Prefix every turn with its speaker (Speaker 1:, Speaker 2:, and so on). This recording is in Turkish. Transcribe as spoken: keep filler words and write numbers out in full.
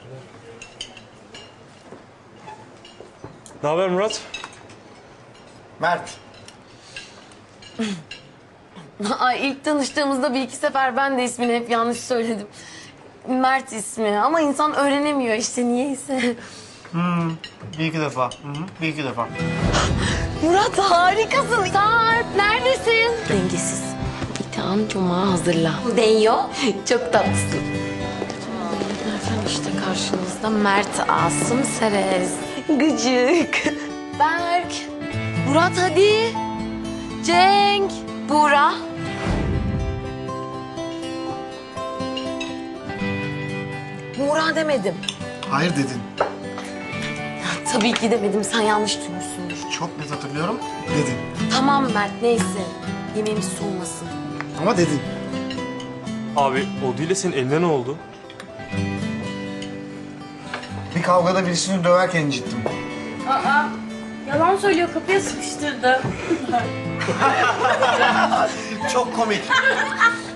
Speaker 1: Ne haber Murat?
Speaker 2: Mert.
Speaker 3: Ay ilk tanıştığımızda bir iki sefer ben de ismini hep yanlış söyledim. Mert ismi ama insan öğrenemiyor işte niyeyse.
Speaker 2: Hmm, bir iki defa. Hı hı, bir iki defa.
Speaker 3: Murat harikasın. Sarp neredesin? Dengesiz. İthan Cuma hazırla. Denyo. Çok tatlısın. Efendim işte karşınızda Mert Asım Serez. Gıcık. Berk. Murat hadi. Cenk. Buğra. Buğra demedim.
Speaker 2: Hayır dedin.
Speaker 3: Tabii ki demedim. Sen yanlış duymuşsundur.
Speaker 2: Çok net hatırlıyorum. Dedin.
Speaker 3: Tamam Mert neyse. Yemeğimiz soğumasın.
Speaker 2: Ama dedin.
Speaker 1: Abi o değil de senin eline ne oldu?
Speaker 2: Bir kavgada birisini döverken incittim.
Speaker 4: Aa, yalan söylüyor, kapıya sıkıştırdı.
Speaker 2: Çok komik.